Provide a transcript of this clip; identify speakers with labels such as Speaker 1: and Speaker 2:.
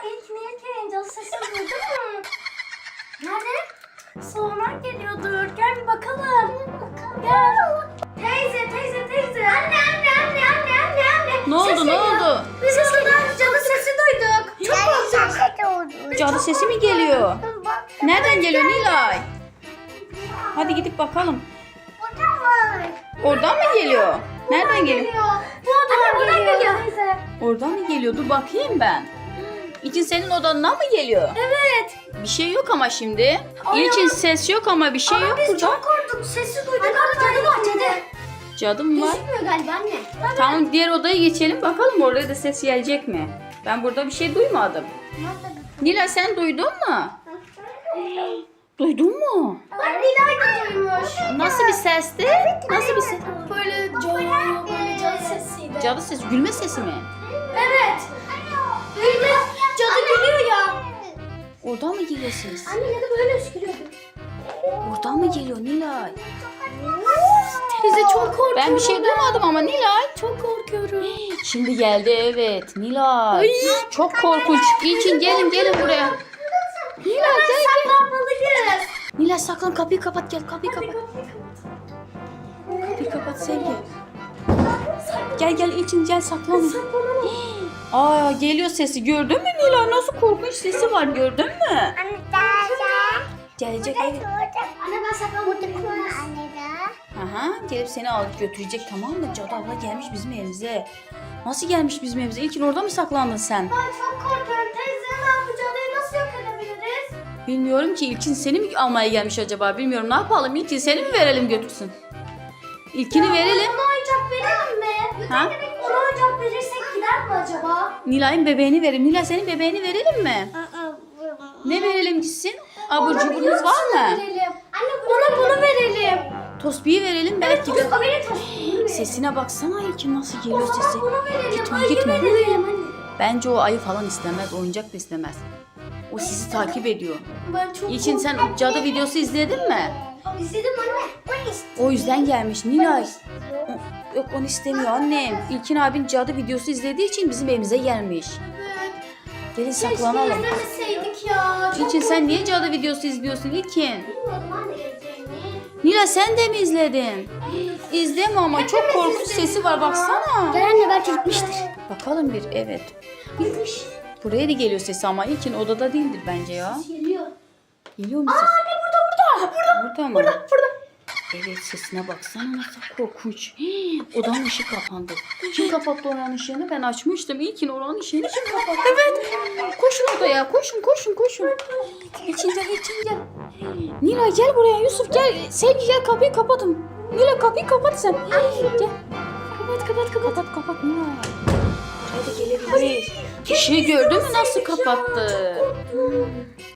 Speaker 1: İlk cadı sesi duydun mu? Nerede? Salondan geliyordur. Gel bir bakalım. Gel. Teyze. Anne.
Speaker 2: Ne oldu,
Speaker 1: Ses
Speaker 2: ne
Speaker 1: geliyor.
Speaker 2: oldu?
Speaker 1: Biz odadan cadı sesi duyduk. Çok korktuk.
Speaker 2: Cadı sesi mi geliyor? Nereden geliyor Nilay? Hadi gidip bakalım. Oradan mı geliyor? Nereden geliyor?
Speaker 1: Bu odadan geliyor.
Speaker 2: Oradan mı geliyor? Dur bakayım ben. İçin senin odandan mı geliyor?
Speaker 1: Evet.
Speaker 2: Bir şey yok ama şimdi.
Speaker 1: Ay,
Speaker 2: İçin ses yok ama bir şey
Speaker 1: Ama
Speaker 2: yok
Speaker 1: biz
Speaker 2: burada.
Speaker 1: çok korktuk. Sesi duyduk. Cadı var cadı.
Speaker 2: Cadı mı var?
Speaker 1: Gözükmüyor galiba anne.
Speaker 2: Tamam, diğer odaya geçelim bakalım orada da ses gelecek mi? Ben burada bir şey duymadım. Nilay sen duydun mu? Duydun mu?
Speaker 1: Bak Nilay da duymuş.
Speaker 2: Nasıl bir sesti? Nasıl bir ses?
Speaker 1: Böyle cadı sesiydi.
Speaker 2: Cadı sesi, gülme sesi mi?
Speaker 1: Evet. Böyle cadı gülüyor ya.
Speaker 2: Oradan mı geliyor ses?
Speaker 1: Anne ya da böyle öskürüyordu.
Speaker 2: Oradan mı geliyor Nilay?
Speaker 1: Teyze çok korkuyorum.
Speaker 2: Ben bir şey duymadım ama Nilay.
Speaker 1: Çok korkuyorum.
Speaker 2: Şimdi geldi, evet Nilay. Çok korkunç. İlkin gelin buraya. Nilay gel.
Speaker 1: Saklanmalıyız.
Speaker 2: Nilay saklan, kapıyı kapat, gel kapıyı kapat. Kapıyı kapat Sevgi. Gel İlkin gel saklan. Aa, geliyor sesi, gördün mü Nilay? Nasıl korkunç sesi var, gördün mü? Gelecek, evet.
Speaker 1: Anne ben saklanmalıyım.
Speaker 2: Aha, gelip seni alıp götürecek, tamam mı? Cadı abla gelmiş bizim evimize. Nasıl gelmiş bizim evimize? İlkin orada mı saklandın sen?
Speaker 1: Ben çok korkuyorum teyze. Ben bu cadıyı nasıl yok edebiliriz?
Speaker 2: Bilmiyorum ki, İlkin seni mi almaya gelmiş acaba? Bilmiyorum, ne yapalım? İlkin seni mi verelim götürsün? İlkini verelim.
Speaker 1: Ona oyuncak verelim mi?
Speaker 2: Ha?
Speaker 1: Ona oyuncak verirsek gider mi acaba?
Speaker 2: Nilay'ın bebeğini verelim. Nilay senin bebeğini verelim mi? Ne verelim gitsin? Abur cuburunuz var mı?
Speaker 1: Verelim. Anne bunu verelim.
Speaker 2: Tosbiyi verelim belki.
Speaker 1: Tostu verin tostu.
Speaker 2: Sesine baksana İlkin, nasıl geliyor
Speaker 1: O
Speaker 2: sesi.
Speaker 1: zaman bunu verelim.
Speaker 2: Gitme,
Speaker 1: Ayı
Speaker 2: gitme.
Speaker 1: verelim anne.
Speaker 2: Bence o ayı falan istemez, oyuncak da istemez. O sizi takip ediyor.
Speaker 1: Ben çok
Speaker 2: İlkin sen o cadı videosu izledin mi?
Speaker 1: İzledim anne.
Speaker 2: O yüzden gelmiş Nilay. Yok, onu istemiyor annem. İlkin abin cadı videosu izlediği için bizim evimize gelmiş.
Speaker 1: Evet.
Speaker 2: Gelin
Speaker 1: Keşke
Speaker 2: saklanalım.
Speaker 1: izlemeseydik ya. Çok
Speaker 2: İlkin sen niye cadı videosu izliyorsun İlkin?
Speaker 1: korkuyordum anne izleyeni.
Speaker 2: Nilay sen de mi izledin? İzleme ama çok korkunç sesi var, baksana.
Speaker 1: Gel anne belki gitmiştir.
Speaker 2: Bakalım bir, evet.
Speaker 1: Gitmiş.
Speaker 2: Buraya da geliyor sesi ama İlkin odada değildir bence ya.
Speaker 1: Geliyor.
Speaker 2: Geliyor mu ses?
Speaker 1: Anne burada.
Speaker 2: Burada mı?
Speaker 1: Burada.
Speaker 2: Evet, sesine baksana nasıl korkunç. Hii, odanın ışığı kapandı. Kim kapattı oranın ışığını? Ben açmıştım. İlkin oranın ışığını kim kapattı? Evet. Koşun odaya. Koşun. İçin gel. Nilay gel buraya. Yusuf gel. Sevgi gel, kapıyı kapatın. Nilay kapıyı kapat sen. Gel. Kapat Nilay. Buraya da gelebilir. Işığı gördün mü nasıl kapattı?